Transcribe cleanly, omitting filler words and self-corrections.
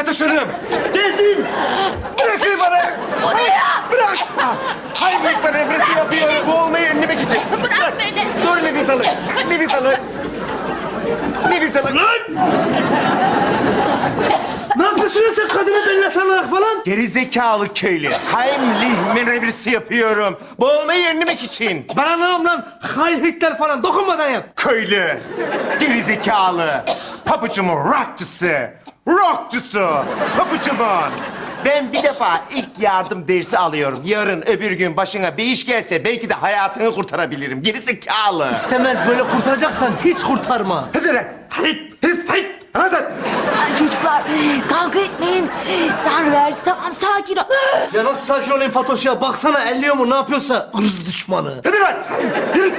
dışarı. Geldim. Bırakın bana. O ne ya? Bırak. Heimlich manevrası yapıyorum. Boğulmayı önlemek için. Bırak beni. Dur nefes alın. Nefes alın. Nefes alın. Ne yapıyorsun ya sen kadına bella sanarak falan? Gerizekalı köylü. Heimlich manevrası yapıyorum. Boğulmayı önlemek için. Bana ne yap lan? Heil Hitler falan dokunmadan yap. Köylü. Gerizekalı. Papucumun rockçısı. Rockçusu. Papucumun. Ben bir defa ilk yardım dersi alıyorum. Yarın öbür gün başına bir iş gelse belki de hayatını kurtarabilirim. Gerizekalı. İstemez böyle kurtaracaksan hiç kurtarma. Hazır et. Hit. His. Hit. Anladın? Ay çocuklar kavga etmeyin. Tanrı verdi tamam sakin ol. Ya nasıl sakin olayım Fatoş ya? Baksana elliyor mu ne yapıyorsa ırz düşmanı. Hadi lan. Yürü.